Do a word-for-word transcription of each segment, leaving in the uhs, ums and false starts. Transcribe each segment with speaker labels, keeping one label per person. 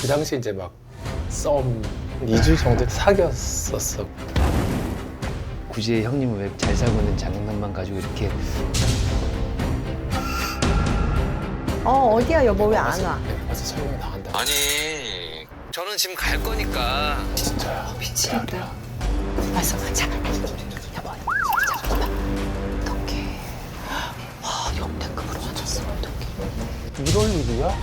Speaker 1: 그 당시 이제 막 썸 이 주 정도 사귀었었어.
Speaker 2: 굳이 형님은 왜 잘 살고 있는 장난만 가지고 이렇게
Speaker 3: 어 어디야 여보 왜 안 와?
Speaker 1: 네, 벌써 설명이 나간다.
Speaker 2: 아니 저는 지금 갈 거니까
Speaker 1: 진짜야.
Speaker 3: 미치겠다. 왔어 가자. 여보 잠깐만. 어떡해. 와 역대급으로 맞췄어 어떡해.
Speaker 1: 이럴 일이야?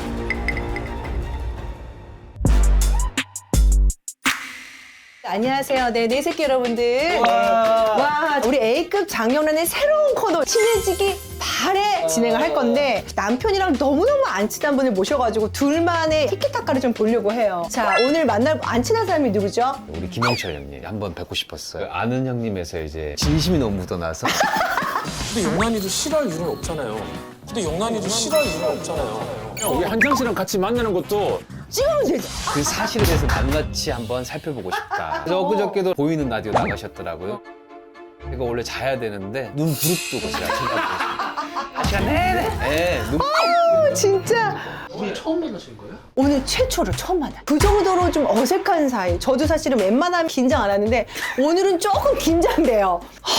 Speaker 3: 안녕하세요. 네, 네 새끼 여러분들. 와, 와 우리 A급 장영란의 새로운 코너 친해지기 바래 진행을 할 건데 남편이랑 너무너무 안 친한 분을 모셔가지고 둘만의 티키타카를 좀 보려고 해요. 자, 오늘 만날 안 친한 사람이 누구죠?
Speaker 2: 우리 김영철 형님 한번 뵙고 싶었어요. 아는 형님에서 이제 진심이 너무 묻어나서
Speaker 4: 근데 영란이도 싫어할 이유는 없잖아요. 근데 영란이도 싫어할 이유는 없잖아요.
Speaker 1: 우리 한정 씨랑 같이 만나는 것도
Speaker 3: 찍으면 되지.
Speaker 2: 그 사실에 대해서 낱낱이 한번 살펴보고 싶다. 그래서 엊그저께도 보이는 라디오 나가셨더라고요. 이거 원래 자야 되는데 눈 부릅뜨고 제가 쳐다보고 있습니다. 한 시간 내내. 네, 눈
Speaker 3: 어, 진짜.
Speaker 1: 우리 처음 만나신 거예요?
Speaker 3: 오늘 최초로 처음 만나. 그 정도로 좀 어색한 사이. 저도 사실은 웬만하면 긴장 안 하는데 오늘은 조금 긴장돼요.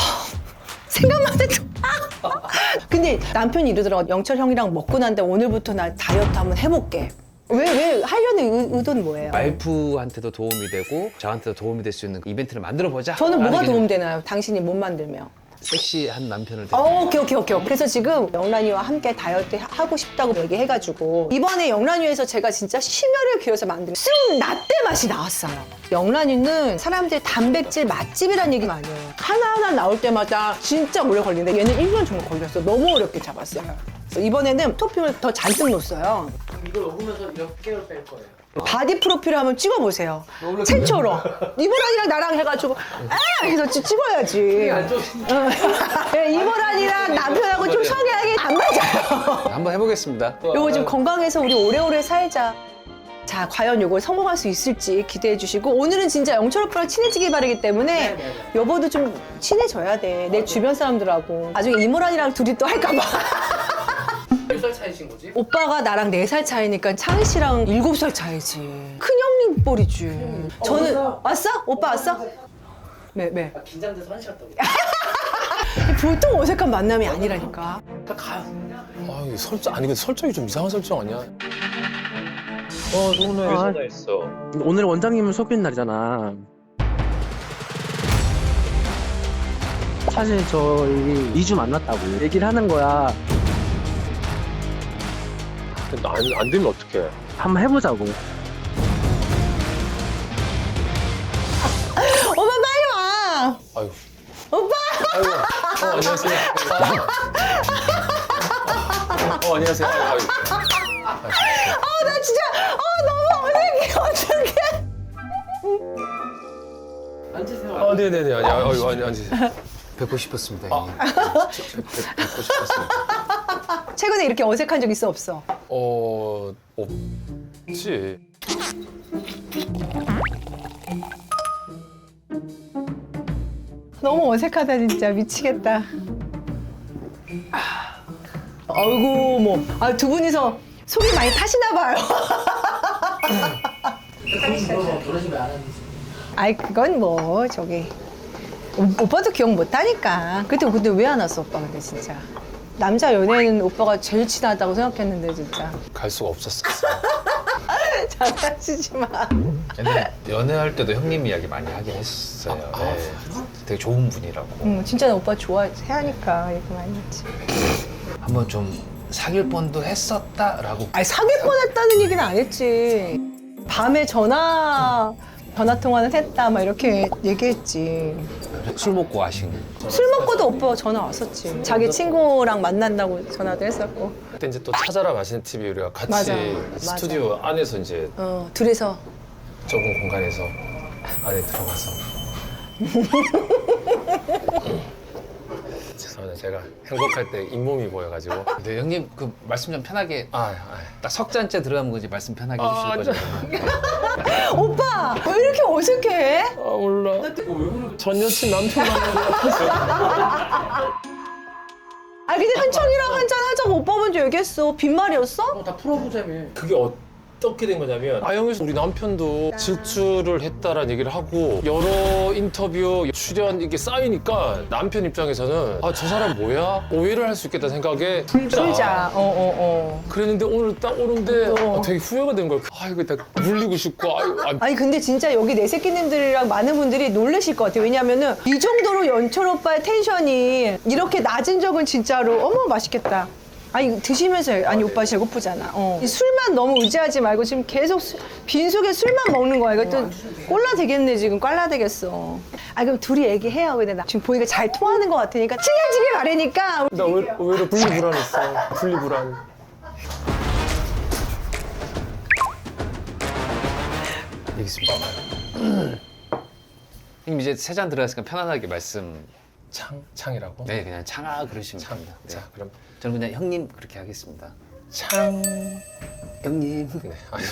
Speaker 3: 생각만 해도. 근데 남편이 이러더라고. 영철 형이랑 먹고 난 다음에 오늘부터 나 다이어트 한번 해볼게. 왜, 왜 하려는 의, 의도는 뭐예요?
Speaker 2: 와이프한테도 도움이 되고 저한테도 도움이 될 수 있는 이벤트를 만들어보자.
Speaker 3: 저는 뭐가
Speaker 2: 라는
Speaker 3: 도움되나요? 당신이 못 만들면.
Speaker 2: 섹시한 남편을
Speaker 3: 어,
Speaker 2: 데리고
Speaker 3: 오케이, 오케이, 오케이. 그래서 지금 영란이와 함께 다이어트 하- 하고 싶다고 얘기해가지고 이번에 영란이에서 제가 진짜 심혈을 기울여서 만든 쑥 라떼 맛이 나왔어요. 영란이는 사람들이 단백질 맛집이라는 얘기 많이 해요. 하나하나 나올 때마다 진짜 오래 걸리는데 얘는 일 년 정도 걸렸어. 너무 어렵게 잡았어요. 그래서 이번에는 토핑을 더 잔뜩 넣었어요.
Speaker 1: 이걸 먹으면서 몇 개월 뺄 거예요?
Speaker 3: 바디 프로필을 한번 찍어보세요. 최초로. 이보란이랑 나랑 해가지고 아! 해서 찍- 찍어야지. 어. 이보란이랑 남편하고 좀 성향이 안 맞아요.
Speaker 2: 한번 해보겠습니다.
Speaker 3: 요거 좀 건강해서 우리 오래오래 살자. 자, 과연 요걸 성공할 수 있을지 기대해 주시고 오늘은 진짜 영철 오빠랑 친해지기 바라기 때문에 여보도 좀 친해져야 돼. 내 주변 사람들하고. 나중에 이모란이랑 둘이 또 할까 봐.
Speaker 1: 몇 살 차이신 거지?
Speaker 3: 오빠가 나랑 네 살 차이니까 창희 씨랑 일곱 살 차이지. 큰형님 뻘이지. 저는 왔어? 오빠 왔어? 네, 네.
Speaker 1: 긴장돼서 한시갔다고.
Speaker 3: 보통 어색한 만남이 아니라니까.
Speaker 1: 다 가요. 아, 이게 설정 아니 근데 설정이 좀 이상한 설정 아니야? 어, 오늘 왜 전화했어?
Speaker 5: 오늘 원장님을 속인 날이잖아. 사실 저희 이 주 만났다고 얘기를 하는 거야.
Speaker 1: 근데 안, 안 되면 어떡해?
Speaker 5: 한번 해보자고.
Speaker 3: 오빠 빨리 와.
Speaker 1: 아유.
Speaker 3: 오빠.
Speaker 1: 아이고. 어, 안녕하세요. 어, 안녕하세요. 아유, 아유.
Speaker 3: 아, 나 진짜 아 너무 어색해. 어떡해.
Speaker 1: 앉으세요. 어, 네네네. 아니, 아유, 아니, 앉으세요.
Speaker 2: 뵙고 싶었습니다. 형님.
Speaker 1: 뵙, 뵙, 뵙고 싶었습니다.
Speaker 3: 최근에 이렇게 어색한 적 있어 없어?
Speaker 1: 어, 없지.
Speaker 3: 너무 어색하다 진짜 미치겠다. 아이고 뭐, 아 두 분이서 속이 많이 타시나 봐요. 아이 그건 뭐 저기 오, 오빠도 기억 못 하니까. 그때 근데 왜 안 왔어 오빠 근데 진짜. 남자 연예인은 오빠가 제일 친하다고 생각했는데 진짜.
Speaker 1: 갈 수가 없었어.
Speaker 3: 장난치지 마.
Speaker 2: 옛날에 연애할 때도 형님 이야기 많이 하긴 했어요. 네. 되게 좋은 분이라고.
Speaker 3: 응, 진짜 나 오빠 좋아해 하니까 얘기 많이 했지.
Speaker 2: 한번 좀 사귈 뻔도 했었다라고.
Speaker 3: 아니 사귈 뻔했다는 얘기는 안 했지. 밤에 전화 전화 통화는 했다 막 이렇게 얘기했지.
Speaker 2: 술 먹고 하신.
Speaker 3: 술 먹고도 오빠 전화 왔었지. 자기 친구랑 만난다고 전화도 했었고.
Speaker 1: 그때 이제 또 찾아라 맛있는 티비 우리가 같이
Speaker 3: 맞아.
Speaker 1: 스튜디오 안에서 이제
Speaker 3: 어 둘이서.
Speaker 1: 좁은 공간에서 안에 들어가서 죄송합니다. 제가 행복할 때 잇몸이 보여가지고
Speaker 2: 네, 형님 그 말씀 좀 편하게
Speaker 1: 아, 아,
Speaker 2: 딱 석 잔째 들어가면 거지 말씀 편하게
Speaker 1: 아,
Speaker 2: 해주실 거죠.
Speaker 3: 오빠 왜 이렇게 어색해?
Speaker 1: 아 몰라. 전 여친 남편 만난 것 같았어.
Speaker 3: 아 근데 한청이랑 한잔 하자고 오빠 먼저 얘기했어. 빈말이었어?
Speaker 1: 다 풀어보자며. 그게 어떻게 된 거냐면 아영에서 우리 남편도 질주를 했다라는 얘기를 하고 여러 인터뷰 출연 이게 쌓이니까 남편 입장에서는 아 저 사람 뭐야? 오해를 할 수 있겠다 생각에 풀자.
Speaker 3: 풀자. 어, 어, 어.
Speaker 1: 그랬는데 오늘 딱 오는데
Speaker 3: 어.
Speaker 1: 아, 되게 후회가 된 거야. 아 이거 딱 물리고 싶고 아유, 아,
Speaker 3: 아니 근데 진짜 여기 내 새끼님들이랑 많은 분들이 놀라실 것 같아요. 왜냐면은 이 정도로 연철 오빠의 텐션이 이렇게 낮은 적은 진짜로 어머 맛있겠다. 아니 드시면서 아니 오빠 배고프잖아. 어. 이 술만 너무 의지하지 말고 지금 계속 수- 빈속에 술만 먹는 거야. 이것도 꼴라 되겠네 지금 꼴라 되겠어. 아 그럼 둘이 얘기해요. 근데 나 지금 보니까 잘 통하는 것 같으니까 친해지길 바라니까.
Speaker 1: 나 왜, 오히려 분리불안했어. 분리불안.
Speaker 2: 여기 있습니다. 형님 이제 세 잔 들어갔으니까 편안하게 말씀.
Speaker 1: 창 창이라고?
Speaker 2: 네, 그냥 창아 그러시면
Speaker 1: 창.
Speaker 2: 됩니다. 네.
Speaker 1: 자 그럼
Speaker 2: 저는 그냥 형님 그렇게 하겠습니다.
Speaker 1: 창.
Speaker 2: 형님.
Speaker 1: 네. 아유.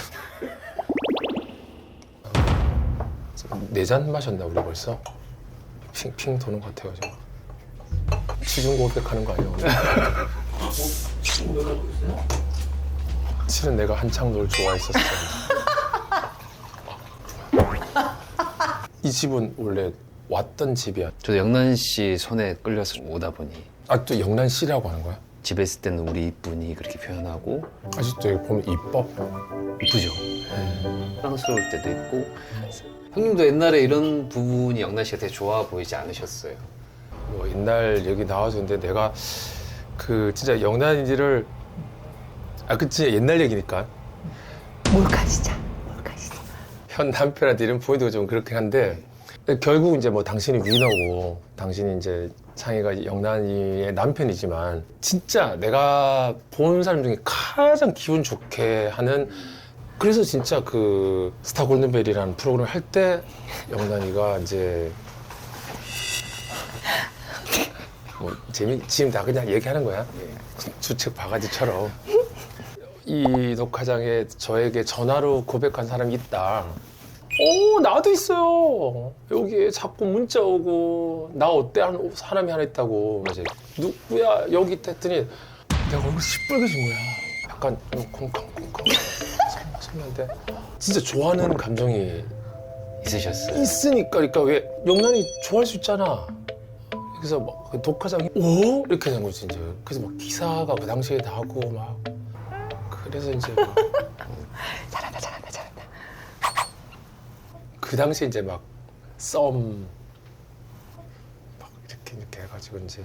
Speaker 1: 네 잔 마셨나 우리 벌써? 핑핑 도는 것 같아요 지금. 취중 고백하는 거 아니야 오늘? 실은 내가 한창 널 좋아했었어. 이 집은 원래 왔던 집이야.
Speaker 2: 저도 영란 씨 손에 끌려서 오다 보니
Speaker 1: 아 또 영란 씨라고 하는 거야?
Speaker 2: 집에 있을 때는 우리 이쁜이 그렇게 표현하고
Speaker 1: 아직도 여기 보면 이뻐.
Speaker 2: 이쁘죠. 사랑스러울 때도 있고 형님도 옛날에 이런 부분이 영란 씨가 되게 좋아 보이지 않으셨어요?
Speaker 1: 뭐 옛날 얘기 나와줬는데 내가 그 진짜 영란이를 아 그치 옛날 얘기니까
Speaker 3: 몰카 진짜. 몰카 진짜.
Speaker 1: 현 남편한테 이런 포인트가 좀 그렇긴 한데 결국 이제 뭐 당신이 위너고 당신이 이제 창희가 영란이의 남편이지만 진짜 내가 본 사람 중에 가장 기분 좋게 하는 그래서 진짜 그 스타 골든벨이라는 프로그램을 할 때 영란이가 이제 뭐 재미 지금 다 그냥 얘기하는 거야 주책 바가지처럼 이 녹화장에 저에게 전화로 고백한 사람이 있다. 오 나도 있어요. 여기에 자꾸 문자 오고 나 어때 하는 사람이 하나 있다고. 이제 누구야 여기 있다 했더니 내가 얼굴이 시뻘개진 거야. 약간 콩콩콩콩 선배한테 진짜 좋아하는 감정이
Speaker 2: 있으셨어요?
Speaker 1: 있으니까 그러니까 왜 영란이 좋아할 수 있잖아. 그래서 막 그 독화장이 오 이렇게 된 거지 이제. 그래서 막 기사가 그 당시에 나고 막 그래서 이제 막
Speaker 3: 잘한다 잘한다 잘한다.
Speaker 1: 그 당시에 이제 막 썸 막 이렇게 이렇게 해가지고 이제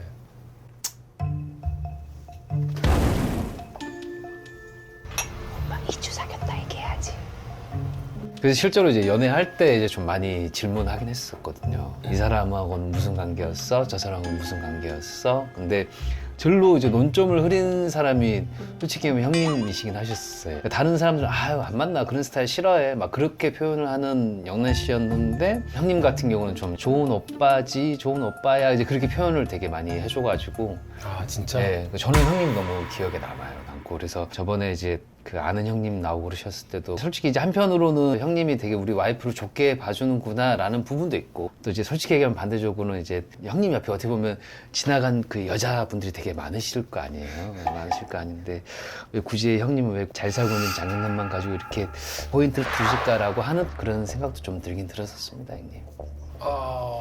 Speaker 3: 오빠 이 주 사귀었다 얘기해야지.
Speaker 2: 그래서 실제로 이제 연애할 때 이제 좀 많이 질문하긴 했었거든요. 이 사람하고는 무슨 관계였어? 저 사람하고는 무슨 관계였어? 근데 절로 이제 논점을 흐린 사람이 솔직히 형님이시긴 하셨어요. 다른 사람들은 아유 안 만나 그런 스타일 싫어해 막 그렇게 표현을 하는 영란 씨였는데 형님 같은 경우는 좀 좋은 오빠지 좋은 오빠야 이제 그렇게 표현을 되게 많이 해줘가지고
Speaker 1: 아 진짜
Speaker 2: 네, 저는 형님 너무 기억에 남아요. 남고 그래서 저번에 이제 그 아는 형님 나오고 그러셨을 때도 솔직히 이제 한편으로는 형님이 되게 우리 와이프를 좋게 봐주는구나라는 부분도 있고 또 이제 솔직히 얘기하면 반대적으로는 이제 형님 옆에 어떻게 보면 지나간 그 여자분들이 되게 많으실 거 아니에요. 많으실 거 아닌데 왜 굳이 형님은 왜 잘 살고 있는 장년남만 가지고 이렇게 포인트를 두실까라고 하는 그런 생각도 좀 들긴 들었었습니다, 형님.
Speaker 1: 아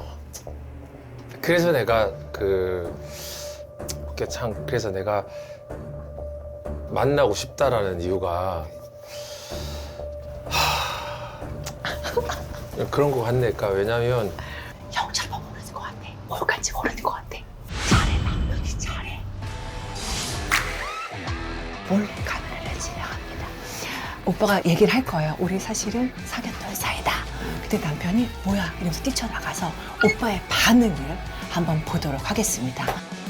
Speaker 1: 그래서 내가 그 그게 참 그래서 내가 만나고 싶다라는 이유가 하... 그런 거 같네. 그러니까 왜냐면
Speaker 3: 형처럼 모르는 것 같아. 뭘까지 모르는 것 같아. 잘해 남편이 잘해. 몰래 카메라를 진행합니다. 오빠가 얘기를 할 거예요. 우리 사실은 사귀었던 사이다. 그때 남편이 뭐야 이러면서 뛰쳐나가서 오빠의 반응을 한번 보도록 하겠습니다.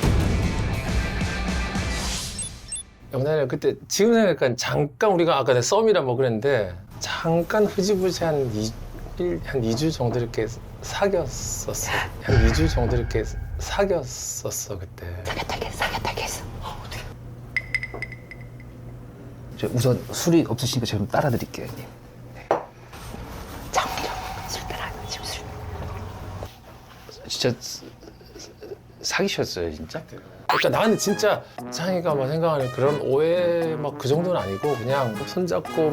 Speaker 1: 영란이가 그때 지금 생각하니까 잠깐 우리가 아까 내 썸이라 뭐 그랬는데 잠깐 흐지부지 한 이 한 이 주 정도 이렇게 사귀었었어. 한 이 주 정도 이렇게 사귀었었어 그때.
Speaker 3: 사귀었다게 사귀었다게 했어.
Speaker 2: 저 우선 술이 없으시니까 제가 좀 따라 드릴게요, 형님.
Speaker 3: 장미로 술 따라 지금 술.
Speaker 2: 진짜 사- 사귀셨어요, 진짜?
Speaker 1: 그러니까 나는 진짜 창희가 뭐 생각하는 그런 오해 막 그 정도는 아니고 그냥 손잡고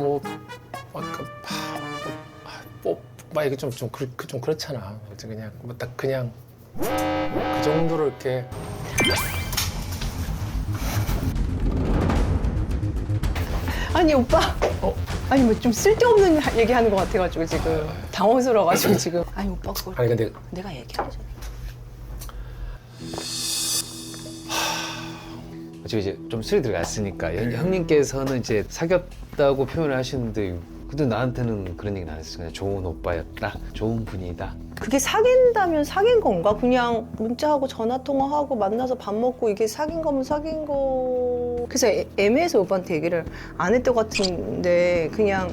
Speaker 1: 뭐막뭐막 이게 좀 좀 그, 그, 좀 그렇잖아. 그냥 뭐 딱 그냥 그 정도로 이렇게.
Speaker 3: 아니 오빠.
Speaker 1: 어?
Speaker 3: 아니 뭐 좀 쓸데없는 얘기하는 것 같아가지고 지금 당황스러워가지고 지금. 아니 오빠 그걸
Speaker 1: 아니 근데
Speaker 3: 내가 얘기하기 전에.
Speaker 2: 지금 이제 좀 술이 들어갔으니까 형- 형님께서는 이제 사귀었다고 표현을 하시는데 근데 나한테는 그런 얘기는 안 했어요. 그냥 좋은 오빠였다, 좋은 분이다.
Speaker 3: 그게 사귄다면 사귄 건가? 그냥 문자하고 전화 통화하고 만나서 밥 먹고 이게 사귄 거면 사귄 거. 그래서 애, 애매해서 오빠한테 얘기를 안 했던 것 같은데 그냥.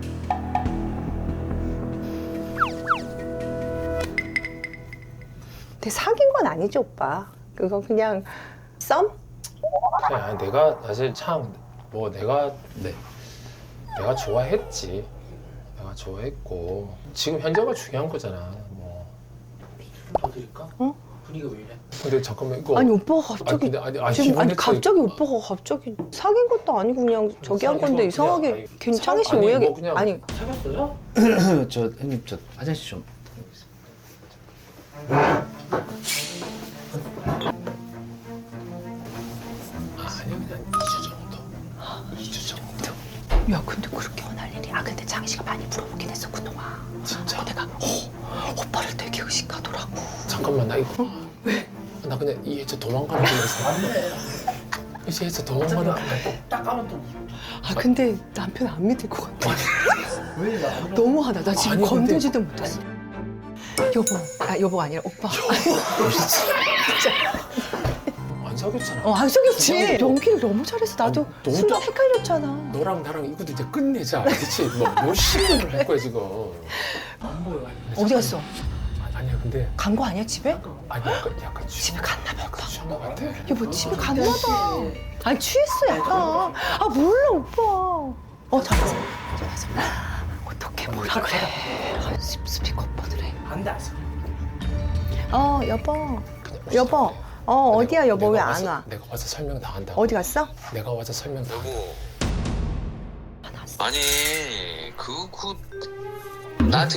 Speaker 3: 근데 사귄 건 아니죠 오빠. 그거 그냥 썸?
Speaker 1: 그냥 내가 사실 참 뭐 내가 네 내가 좋아했지. 내가 좋아했고 지금 현재가 중요한 거잖아. 뭐.
Speaker 4: 더 드릴까?
Speaker 3: 어?
Speaker 4: 분위기가 왜 이래?
Speaker 1: 근데 잠깐만 이거.
Speaker 3: 아니 오빠가
Speaker 1: 아니,
Speaker 3: 갑자기
Speaker 1: 근데 아니, 아니,
Speaker 3: 지금 아니
Speaker 1: 이번에
Speaker 3: 갑자기
Speaker 1: 또-
Speaker 3: 오빠가 갑자기 사귄 것도 아니고 그냥 저기 한
Speaker 1: 사귄
Speaker 3: 건데
Speaker 1: 거
Speaker 3: 이상하게
Speaker 1: 그냥, 아니,
Speaker 3: 괜찮이 씨
Speaker 1: 사- 아니,
Speaker 3: 오해가
Speaker 1: 뭐 그냥-
Speaker 3: 아니
Speaker 4: 사귀었어요?
Speaker 2: 저 형님 저 화장실 좀.
Speaker 1: 아니 그냥 이 주 정도. 이 주 정도.
Speaker 3: 야 근데 그렇게 원할 일이 아 근데 장희 씨가 많이 물어보긴 했어 그동안
Speaker 1: 진짜.
Speaker 3: 내가 어, 오빠를 되게 의식하더라고
Speaker 1: 잠깐만 나 이거. 왜? 나 그냥 이해서 도망가는 거였어. 이해서 도망가는 거.
Speaker 4: 딱 가면 또
Speaker 3: 아 근데 남편 안 믿을 것 같아
Speaker 4: 왜 나?
Speaker 3: 너무하다 나 지금
Speaker 1: 아니, 근데-
Speaker 3: 건들지도 못했어 여보 아 여보가 아니라 오빠
Speaker 1: 안 사귀었잖아.
Speaker 3: 어 안 속였지 연기를 너무 잘해서 나도
Speaker 1: 아니, 너무
Speaker 3: 순간
Speaker 1: 딱-
Speaker 3: 헷갈렸잖아
Speaker 1: 너랑 나랑 이것도 이제 끝내자. 그렇지? 뭐 몇십 년을 할 거야 지금.
Speaker 4: 안 보여.
Speaker 3: 어디 갔어?
Speaker 1: 아니, 아니야 근데
Speaker 3: 간 거 아니야 집에?
Speaker 1: 아니 약간 약간
Speaker 3: 집에 갔나 봐 오빠
Speaker 1: 취한 것 같아.
Speaker 3: 여보 집에 갔나 봐 아니 취했어 약간 아 몰라 오빠 어 잘했어 잘했어 어떻게 뭐라 그래 아, 스- 스피커 오빠들 해
Speaker 4: 안돼 안 써.
Speaker 3: 어 여보
Speaker 1: 그냥
Speaker 3: 여보 어 어디야 여보
Speaker 1: 내가
Speaker 3: 왜 안
Speaker 1: 와서-
Speaker 3: 와?
Speaker 1: 내가 와서 설명 다 한다고.
Speaker 3: 어디 갔어?
Speaker 1: 내가 와서 설명 다.
Speaker 6: 여보,
Speaker 3: 화났어
Speaker 6: 아니 그 그 나한테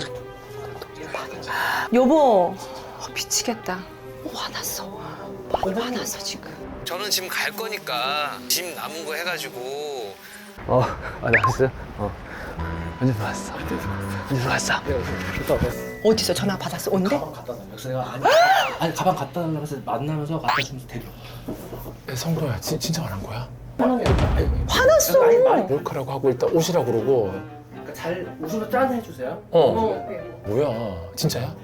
Speaker 3: 여보 어, 미치겠다 어, 화났어 많이 화났어 지금
Speaker 6: 저는 지금 갈 거니까 짐 남은 거 해가지고
Speaker 2: 어, 아 나왔어요? 어. 언제 들어왔어? 언제 들어왔어?
Speaker 3: 어디서 전화 받았어? 온대?
Speaker 4: 가방 갖다 달라. 그래서 내가 아니, 아니 가방 갖다 달라 그래서 만나면서 갖다 주면서 데려.
Speaker 1: 야, 성도야 진, 진짜 안 한 거야?
Speaker 3: 화났어
Speaker 4: 아니 말이
Speaker 1: 몰카라고 하고 일단 오시라 그러고.
Speaker 4: 그러니까 잘 웃으면 짠 해주세요.
Speaker 1: 어. 뭐야? 진짜야?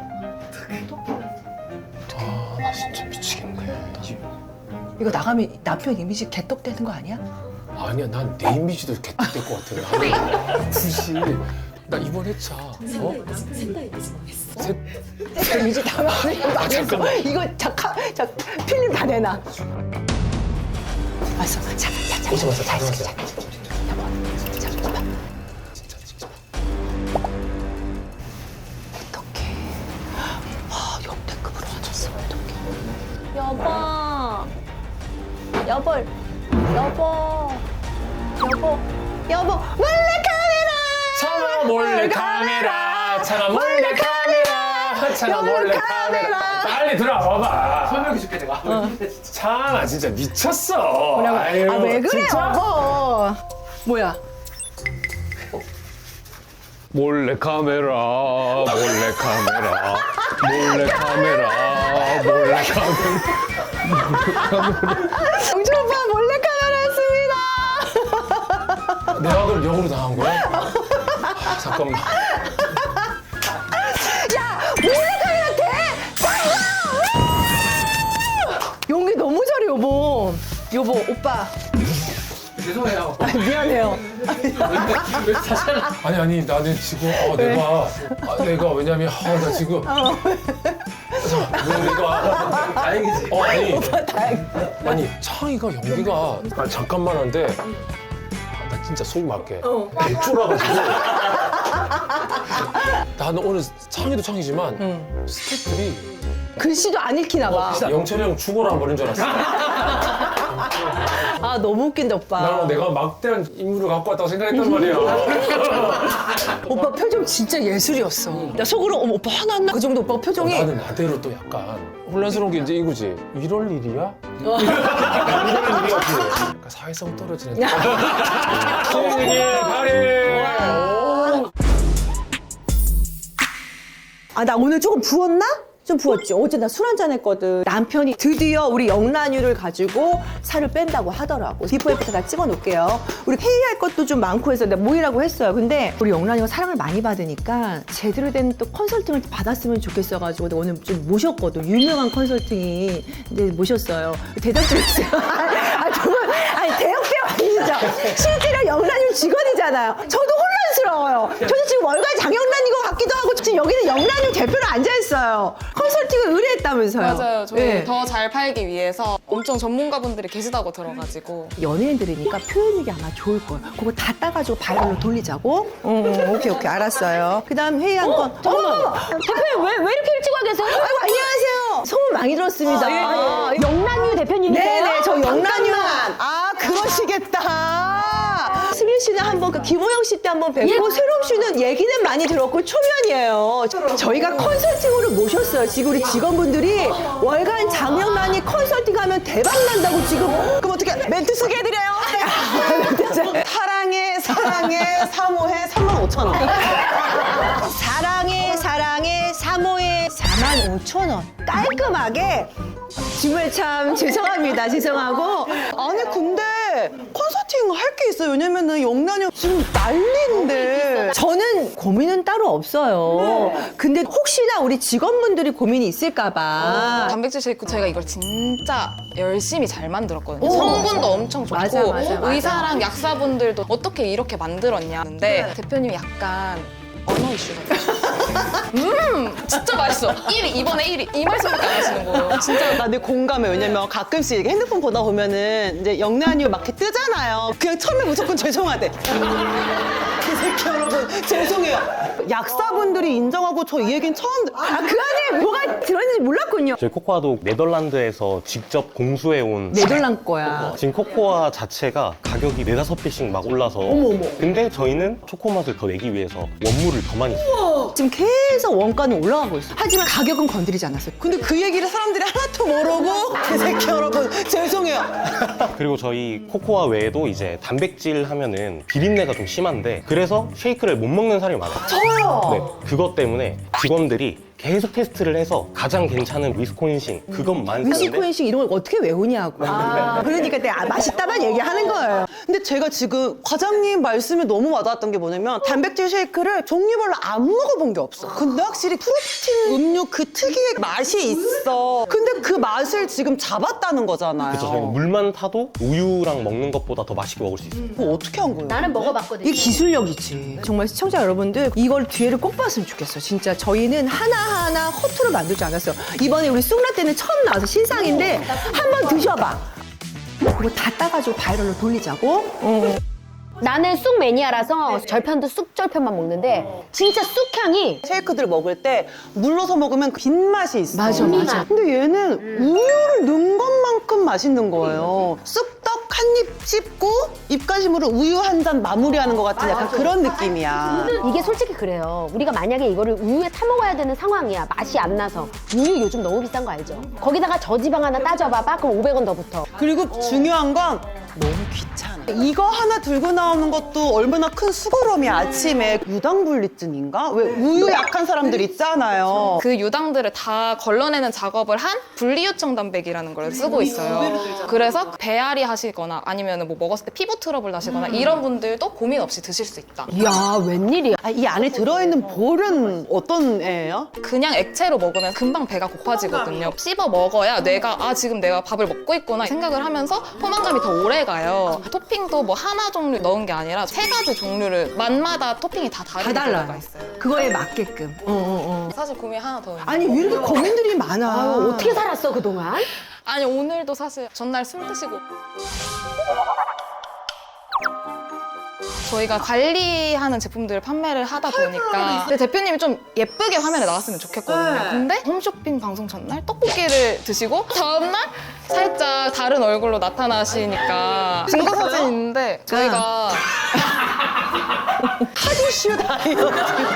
Speaker 1: 아, 나 진짜 미치겠네.
Speaker 3: 이거 나가면 남편 이미지 개떡되는 거 아니야?
Speaker 1: 아니야, 난 내 이미지도 개떡될 것 같아. 나는 굳이 나 이번 회차 어? 셋
Speaker 3: 이미지 다 망했어 이거 잠깐 자 필름 다 내놔 왔어 잠깐 잠깐
Speaker 1: 오지 마세요,
Speaker 3: 잠깐
Speaker 1: 가지
Speaker 3: 잠깐
Speaker 1: 마세요.
Speaker 3: 잠깐
Speaker 1: 진짜 찍지 마.
Speaker 3: 어떡해 와 역대급으로 화났어 어떡해 여보 여보 여보 여보 여보 몰래 카메라
Speaker 1: 차마 몰래 카메라, 차마 몰래 카메라, 차마 몰래 카메라. 빨리 들어와봐.
Speaker 4: 설명해줄게 내가.
Speaker 1: 차마 진짜 미쳤어.
Speaker 3: 뭐라고
Speaker 1: 아유,
Speaker 3: 아 왜 그래
Speaker 1: 진짜?
Speaker 3: 여보 뭐야
Speaker 2: 몰래 카메라, 몰래 카메라, 몰래 카메라, 몰래 카메라.
Speaker 3: 영준 오빠 몰래 카메라였습니다
Speaker 1: 내가 그럼 역으로 당한 거야? 아, 잠깐만.
Speaker 3: 몰래카메라 돼! 연기 너무 잘해 여보 여보 오빠
Speaker 4: 죄송해요.
Speaker 3: 아니, 미안해요
Speaker 4: 왜 다시 하나?
Speaker 1: 아니 아니 나는 지금 어, 내가 아, 내가 왜냐면 아, 나 지금 자, 뭐 내가
Speaker 4: 다행이지.
Speaker 1: 어 아니
Speaker 3: 다행
Speaker 1: 아니 창희가 연기가 아, 잠깐만 한데 아, 나 진짜 속 맞게 개쫄아가지고 나는 오늘 창희도 창희지만 스태프들이
Speaker 3: 글씨도 안 읽히나 봐.
Speaker 1: 영철이 형 죽어라 버린 줄 알았어.
Speaker 3: 아 너무 웃긴다 오빠.
Speaker 1: 나는 내가 막대한 인물을 갖고 왔다고 생각했단 말이야.
Speaker 3: 오빠 표정 진짜 예술이었어. 나 속으로 어머 오빠 화났나? 그 정도 오빠 표정이.
Speaker 1: 나는 나대로 또 약간 혼란스러운 게 이제 이거지. 이럴 일이야? 이럴 일이야지. 그러니까 사회성 떨어지는. 생일 파리.
Speaker 3: 아 나 오늘 조금 부었나? 좀 부었지. 어제 나 술 한잔 했거든. 남편이 드디어 우리 영란유를 가지고 살을 뺀다고 하더라고. 비포 애프터 다 찍어 놓을게요. 우리 회의할 것도 좀 많고 해서 내가 모이라고 했어요. 근데 우리 영란유가 사랑을 많이 받으니까 제대로 된 또 컨설팅을 받았으면 좋겠어가지고 내가 오늘 좀 모셨거든. 유명한 컨설팅이 이제 모셨어요. 대답 좀 해주세요. 아 정말 아니 대형배우 아니죠. 실제로 영란유 직원이잖아요. 저도 혼란스러워요. 저도 지금 월간 장영란인 것 같기도 하고 지금 여기는 영란유 대표로 앉아있어요. 컨설팅을 의뢰했다면서요.
Speaker 7: 맞아요. 저희
Speaker 3: 네.
Speaker 7: 더 잘 팔기 위해서 엄청 전문가분들이 계시다고 들어가지고
Speaker 3: 연예인들이니까 표현력이 아마 좋을 거예요. 그거 다 따가지고 바이럴로 돌리자고. 어, 오케이 오케이 알았어요. 그다음 회의한 건. 잠깐만.
Speaker 8: 대표님 왜, 왜 이렇게 일찍 와 계세요?
Speaker 3: 아이고 안녕하세요. 소문 많이 들었습니다.
Speaker 8: 아, 영란유 대표님이세요?
Speaker 3: 네네 저 영란유. 아 그러시겠다. 승윤 씨는 한번 그 김호영 씨 때 한번 뵙고
Speaker 8: 예.
Speaker 3: 새롬 씨는 얘기는 많이 들었고 초면이에요. 저희가 컨설팅으로 모셨어요. 지금 우리 직원분들이 월간 장영란이 컨설팅하면 대박 난다고 지금. 그럼 어떻게 멘트 소개해드려요?
Speaker 9: 사랑해 사랑해 사모해 삼만 오천 원.
Speaker 3: 사랑해 사랑해 사모해 사만 오천 원 깔끔하게. 정말 참 죄송합니다. 죄송하고.
Speaker 9: 아니 근데 컨설팅 할 게 있어요. 왜냐면은 영란이 지금 난리인데.
Speaker 3: 저는 고민은 따로 없어요. 근데 혹시나 우리 직원분들이 고민이 있을까봐.
Speaker 7: 단백질 쉐이크 저희가 이걸 진짜 열심히 잘 만들었거든요. 성분도 엄청 좋고
Speaker 3: 맞아, 맞아, 맞아.
Speaker 7: 의사랑 약사분들도 어떻게 이렇게 만들었냐 하는데 대표님이 약간 언어 이슈가 있어요. 음 진짜 맛있어. 일 위 이번에 일 위 이 말씀밖에 안 하시는 거예요. 진짜
Speaker 9: 나 내 공감해. 왜냐면 가끔씩 이렇게 핸드폰 보다 보면은 이제 영란이 막 이렇게 뜨잖아요. 그냥 처음에 무조건 죄송하대. 그 새끼 여러분 죄송해요. 약사분들이 인정하고 저 이 얘기는 처음 듣...
Speaker 3: 아, 그 안에 뭐가 들어있는지 몰랐군요.
Speaker 10: 저희 코코아도 네덜란드에서 직접 공수해온
Speaker 3: 네덜란 거야.
Speaker 10: 지금 코코아 자체가 가격이 네다섯 배씩 막 올라서 근데 저희는 초코 맛을 더 내기 위해서 원물을 더 많이 써요.
Speaker 3: 지금 계속 원가는 올라가고 있어. 하지만 가격은 건드리지 않았어요.
Speaker 9: 근데 그 얘기를 사람들이 하나도 모르고 그 새끼 여러분 죄송해요.
Speaker 10: 그리고 저희 코코아 외에도 이제 단백질 하면은 비린내가 좀 심한데 그래서 쉐이크를 못 먹는 사람이 많아요.
Speaker 3: 저요.
Speaker 10: 네, 그것 때문에 직원들이 계속 테스트를 해서 가장 괜찮은 위스콘신 그것만 사는데
Speaker 3: 위시코인식 이런 걸 어떻게 외우냐고. 그러니까 내가 맛있다만 얘기하는 거예요.
Speaker 9: 근데 제가 지금 과장님 말씀이 너무 와닿았던 게 뭐냐면 단백질 쉐이크를 종류별로 안 먹어본 게 없어. 근데 확실히 프로틴 음료 그 특유의 맛이 있어. 근데 그 맛을 지금 잡았다는 거잖아요.
Speaker 10: 그래서 저희는 물만 타도 우유랑 먹는 것보다 더 맛있게 먹을 수 있어요.
Speaker 9: 그거 어떻게 한 거예요?
Speaker 8: 나는 먹어봤거든요.
Speaker 3: 이게 기술력이지. 정말 시청자 여러분들 이걸 뒤에를 꼭 봤으면 좋겠어. 진짜 저희는 하나하나 허투루 만들지 않았어요. 이번에 우리 쑥라 때는 처음 나와서 신상인데 한번 드셔봐. 그거 다 따가지고 바이럴로 돌리자고. 어.
Speaker 8: 나는 쑥 매니아라서 절편도 쑥 절편만 먹는데 진짜 쑥향이
Speaker 9: 쉐이크들 먹을 때 물러서 먹으면 빈맛이 있어.
Speaker 3: 맞아, 맞아.
Speaker 9: 근데 얘는 우유를 넣은 것만큼 맛있는 거예요. 쑥떡 한 입 씹고 입가심으로 우유 한 잔 마무리하는 것 같은 약간 그런 느낌이야.
Speaker 8: 이게 솔직히 그래요. 우리가 만약에 이거를 우유에 타 먹어야 되는 상황이야. 맛이 안 나서. 우유 요즘 너무 비싼 거 알죠? 거기다가 저지방 하나 따져봐봐. 그럼 오백 원 더 붙어.
Speaker 9: 그리고 중요한 건 너무 귀찮아. 이거 하나 들고 나오는 것도 얼마나 큰 수고로움이야. 아침에 유당불내증인가? 왜 우유 약한 사람들 있잖아요.
Speaker 7: 그 유당들을 다 걸러내는 작업을 한 분리요청 단백이라는 걸 쓰고 있어요. 그래서 배앓이 하시거나 아니면 뭐 먹었을 때 피부 트러블 나시거나 이런 분들도 고민 없이 드실 수 있다.
Speaker 3: 이야 웬일이야.
Speaker 9: 아, 이 안에 들어있는 볼은 어떤 애예요?
Speaker 7: 그냥 액체로 먹으면 금방 배가 고파지거든요. 씹어 먹어야 뇌가 아 지금 내가 밥을 먹고 있구나 생각을 하면서 포만감이 더 오래 가요. 토핑도 뭐 하나 종류 넣은 게 아니라 세 가지 종류를 맛마다 토핑이 다 다른
Speaker 3: 다
Speaker 7: 경우가
Speaker 3: 달라요.
Speaker 7: 있어요.
Speaker 3: 그거에 맞게끔. 어, 어, 어.
Speaker 7: 사실 고민 하나 더 있는데
Speaker 3: 아니 왜 이렇게 고민들이 많아.
Speaker 8: 아유, 어떻게 살았어 그동안?
Speaker 7: 아니 오늘도 사실 전날 술 드시고 저희가 관리하는 제품들을 판매를 하다 보니까 근데 대표님이 좀 예쁘게 화면에 나왔으면 좋겠거든요. 근데 홈쇼핑 방송 전날 떡볶이를 드시고 다음날 살짝 다른 얼굴로 나타나시니까 증거 사진 있는데 저희가
Speaker 9: 하디슈 다이어트.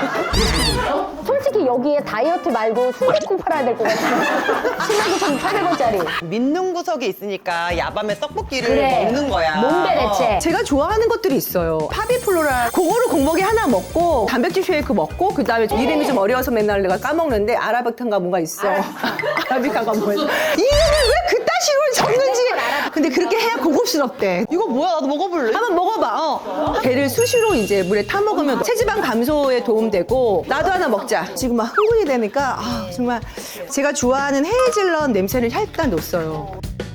Speaker 8: 솔직히 여기에 다이어트 말고 순대국 팔아야 될 것 같아. 십만 구천팔백 원짜리.
Speaker 9: 믿는 구석에 있으니까 야밤에 떡볶이를
Speaker 8: 그래.
Speaker 9: 먹는 거야.
Speaker 8: 몸베레체.
Speaker 3: 제가 좋아하는 것들이 있어요. 파비플로라 그거를 공복에 하나 먹고 단백질 쉐이크 먹고 그다음에 이름이 좀 어려워서 맨날 내가 까먹는데 아라비칸가 뭔가 있어. 아라비칸가 뭐야? 이름을 왜 그딴 식으로 적는지. 근데 그렇게 해야 고급스럽대.
Speaker 9: 이거 뭐야? 나도 먹어볼래?
Speaker 3: 한번 먹어봐. 어. 걔를 수시로 이제 물에 타 먹으면 체지방 감소에 도움되고 나도 하나 먹자. 지금 막 흥분이 되니까 아, 정말 제가 좋아하는 헤이즐넛 냄새를 살짝 놨어요.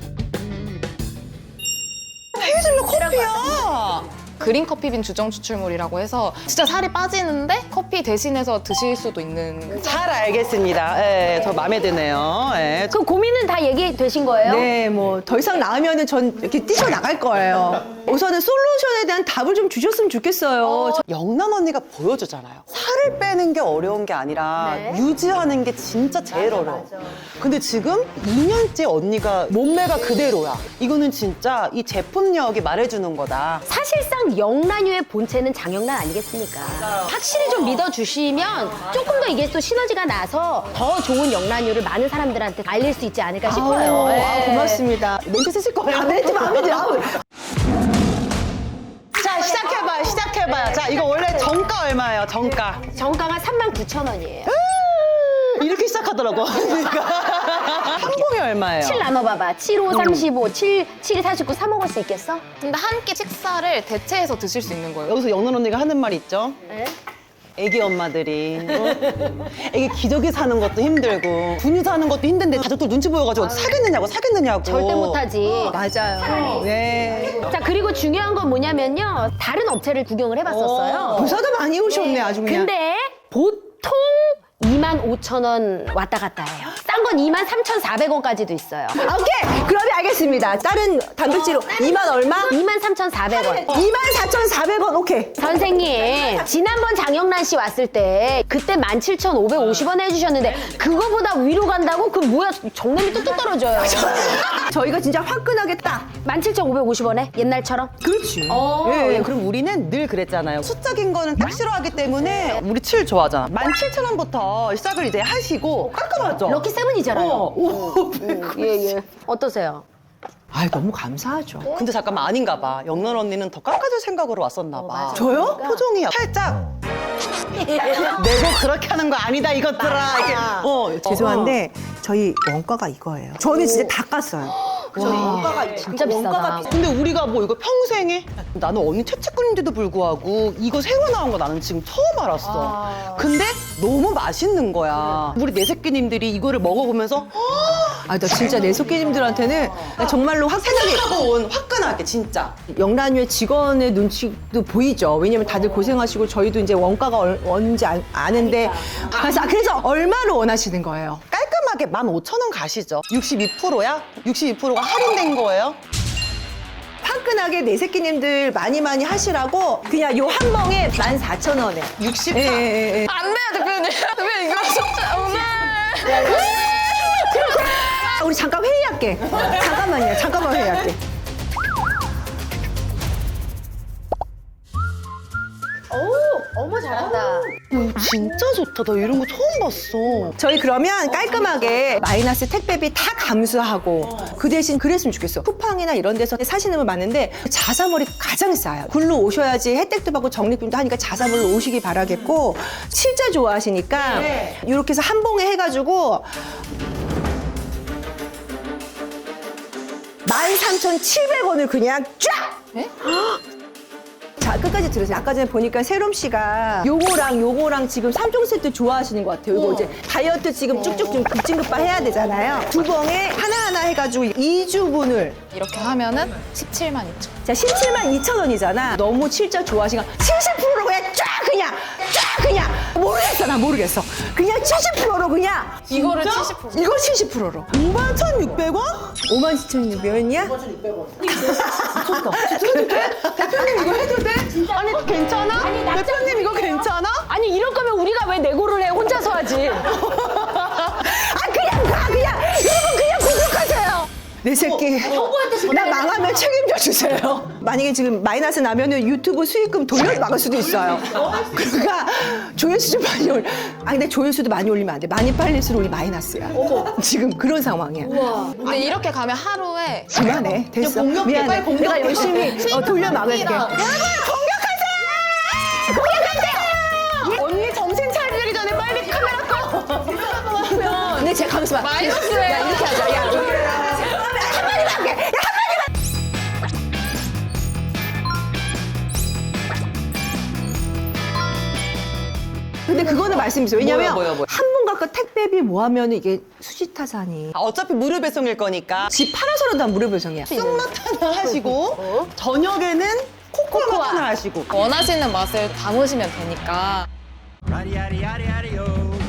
Speaker 9: 헤이즐넛 커피야.
Speaker 7: 그린 커피빈 주정 추출물이라고 해서 진짜 살이 빠지는데 커피 대신해서 드실 수도 있는
Speaker 9: 잘 알겠습니다. 예, 저 마음에 드네요. 예.
Speaker 8: 그 고민은 다 얘기되신 거예요?
Speaker 3: 네, 뭐 더 이상 나으면은 전 이렇게 뛰쳐 나갈 거예요. 우선은 솔루션에 대한 답을 좀 주셨으면 좋겠어요.
Speaker 9: 영란 언니가 보여주잖아요. 살을 빼는 게 어려운 게 아니라
Speaker 8: 네.
Speaker 9: 유지하는 게 진짜 제일 어려워. 근데 지금 이 년째 언니가 몸매가 그대로야. 이거는 진짜 이 제품력이 말해주는 거다.
Speaker 8: 사실상 영란유의 본체는 장영란 아니겠습니까? 확실히 좀 믿어주시면 조금 더 이게 또 시너지가 나서 더 좋은 영란유를 많은 사람들한테 알릴 수 있지 않을까 싶어요.
Speaker 3: 아우,
Speaker 8: 네.
Speaker 3: 아, 고맙습니다. 멘트 쓰실 거예요. 아, 멘트 마음에 들어. 아우.
Speaker 9: 자, 시작해봐요, 시작해봐요. 자, 이거 원래 정가 얼마예요, 정가?
Speaker 8: 정가가 삼만 구천 원이에요.
Speaker 9: 이렇게 시작하더라고. 그러니까. 한 봉이 얼마예요?
Speaker 8: 칠 나눠봐봐. 칠, 오, 삼십오, 칠, 칠, 사십구, 사 먹을 수 있겠어?
Speaker 7: 근데 한 끼 식사를 대체해서 드실 수 있는 거예요.
Speaker 9: 여기서 영란 언니가 하는 말 있죠?
Speaker 8: 네?
Speaker 9: 애기 엄마들이 어? 애기 기저귀 사는 것도 힘들고 분유 사는 것도 힘든데 가족들 눈치 보여가지고 사겠느냐고 사겠느냐고
Speaker 8: 절대 못하지.
Speaker 3: 맞아요. 네.
Speaker 8: 자, 그리고 중요한 건 뭐냐면요. 다른 업체를 구경을 해봤었어요.
Speaker 3: 부사도 많이 오셨네, 아주 그냥.
Speaker 8: 근데 보통 이만 오천 원 왔다 갔다 해요. 싼 건 이만 삼천사백 원까지도 있어요.
Speaker 3: 아, 오케이. 그러면 알겠습니다. 다른 단백질로 이만 얼마?
Speaker 8: 이만 삼천사백 원.
Speaker 3: 이만 사천사백 원. 오케이.
Speaker 8: 선생님, 지난번 장영란 씨 왔을 때 그때 만 칠천오백오십 원 해주셨는데 그거보다 위로 간다고? 그 뭐야, 정남이 뚝뚝 떨어져요.
Speaker 3: 저희가 진짜 화끈하게 딱.
Speaker 8: 만 칠천오백오십 원에? 옛날처럼?
Speaker 3: 그렇지.
Speaker 8: 어,
Speaker 9: 예, 예. 그럼 우리는 늘 그랬잖아요. 숫자긴 거는 딱 싫어하기 때문에 우리 칠 좋아하잖아. 만 칠천 원부터 시작을 이제 하시고 깔끔하죠?
Speaker 8: 럭키 세븐이잖아요.
Speaker 9: 어. 오.
Speaker 8: 예, 예. 어떠세요?
Speaker 3: 아, 너무 감사하죠.
Speaker 9: 근데 잠깐만 아닌가 봐. 영란 언니는 더 깎아줄 생각으로 왔었나 봐.
Speaker 3: 저요?
Speaker 9: 표정이 살짝 내고 그렇게 하는 거 아니다 이것들아. 이렇게. 어,
Speaker 3: 죄송한데 저희 원가가 이거예요. 저는 진짜 다 깠어요. 저희 원가가
Speaker 8: 진짜 비싸다.
Speaker 9: 근데 우리가 뭐 이거 평생에 나는 언니 채찍꾼인데도 불구하고 이거 새로 나온 거 나는 지금 처음 알았어. 근데 너무 맛있는 거야. 우리 내 새끼님들이 이거를 먹어보면서
Speaker 3: 아, 나 진짜 내 속기님들한테는 정말로 화끈하게
Speaker 9: 생각하고 온 화끈하게 진짜.
Speaker 3: 영란유의 직원의 눈치도 보이죠. 왜냐면 다들 고생하시고 저희도 이제 원가가 얼, 뭔지 아, 아는데 그래서, 그래서 얼마로 원하시는 거예요?
Speaker 9: 깔끔하게 만 오천 원 가시죠. 육십이 퍼센트야? 육십이 퍼센트가 할인된 거예요?
Speaker 3: 화끈하게 내 새끼님들 많이 많이 하시라고 그냥 요 한 멍에 만 사천 원에.
Speaker 9: 육십사?
Speaker 3: 예, 예, 예.
Speaker 7: 안 돼요, 대표님. 대표님, 이거 진짜 오늘.
Speaker 3: 아, 우리 잠깐 회의할게. 잠깐만요. 잠깐만 회의할게.
Speaker 8: 오, 어머 잘한다.
Speaker 9: 진짜 좋다. 나 이런 거 처음 봤어.
Speaker 3: 저희 그러면 깔끔하게 마이너스 택배비 다 감수하고 그 대신 그랬으면 좋겠어. 쿠팡이나 이런 데서 사시는 분 많은데 자사몰이 가장 싸요. 굴로 오셔야지 혜택도 받고 적립금도 하니까 자사몰로 오시기 바라겠고 진짜 좋아하시니까 이렇게 해서 한 봉에 해가지고 만 삼천칠백 원을 그냥 쫙! 자, 끝까지 들으세요. 아까 전에 보니까 세롬 씨가 요거랑 요거랑 지금 삼 종 세트 좋아하시는 것 같아요. 이거 이제 다이어트 지금 쭉쭉 좀 급진급파 해야 되잖아요. 두 봉에 하나하나 해가지고 이 주분을.
Speaker 7: 이렇게 하면은 십칠만 이천.
Speaker 3: 자, 십칠만 이천 원이잖아. 너무 진짜 좋아하시니까 칠십 퍼센트로 그냥 쫙 그냥 쫙 그냥 모르겠어. 나 모르겠어. 그냥 칠십 퍼센트로 그냥.
Speaker 7: 이거를
Speaker 3: 진짜?
Speaker 7: 칠십 퍼센트.
Speaker 3: 이거 칠십 퍼센트로.
Speaker 9: 오만 천육백 원?
Speaker 3: 오만 칠천육백 원이야? 오만 천육백 원.
Speaker 9: 해도 돼? 대표님 이거 해도 돼? 아니 괜찮아? 대표님 이거 괜찮아?
Speaker 8: 아니 이럴 거면 우리가 왜 내고를 해? 혼자서 하지.
Speaker 3: 아 그냥 가 그냥 여러분 그냥 공격하세요. 내 새끼 나 망하면 책임져 주세요. 만약에 지금 마이너스 나면은 유튜브 수익금 돌려 막을 수도 있어요. 그러니까 조회수 좀 많이 올. 아 근데 조회수도 많이 올리면 안 돼. 많이 팔릴수록 우리 마이너스야. 지금 그런 상황이야.
Speaker 7: 근데 이렇게 가면 하루에
Speaker 3: 그만해 됐어.
Speaker 9: 공격해,
Speaker 3: 미안해.
Speaker 9: 빨리 공격해.
Speaker 3: 내가 열심히 어, 돌려 막을게. 여러분 공격하세요. 공격하세요. 언니 정신 차리기 전에 빨리 카메라 꺼. 근데 제가 가면서 봐.
Speaker 7: 마이너스예요.
Speaker 3: 야 이렇게 하자. 야 한마디만 할게. 야 근데 그거는 말씀이세요. 왜냐면
Speaker 9: 뭐야, 뭐야, 뭐야.
Speaker 3: 한 분 갖고 택배비 뭐 하면 이게 수지타산이
Speaker 9: 아, 어차피 무료 배송일 거니까
Speaker 3: 집 팔아서라도 다 무료 배송이야.
Speaker 9: 쑥맛 하나 하시고 저녁에는 코코아 맛 하나 하시고
Speaker 7: 원하시는 맛을 담으시면 되니까.
Speaker 6: 야리야리야리야리요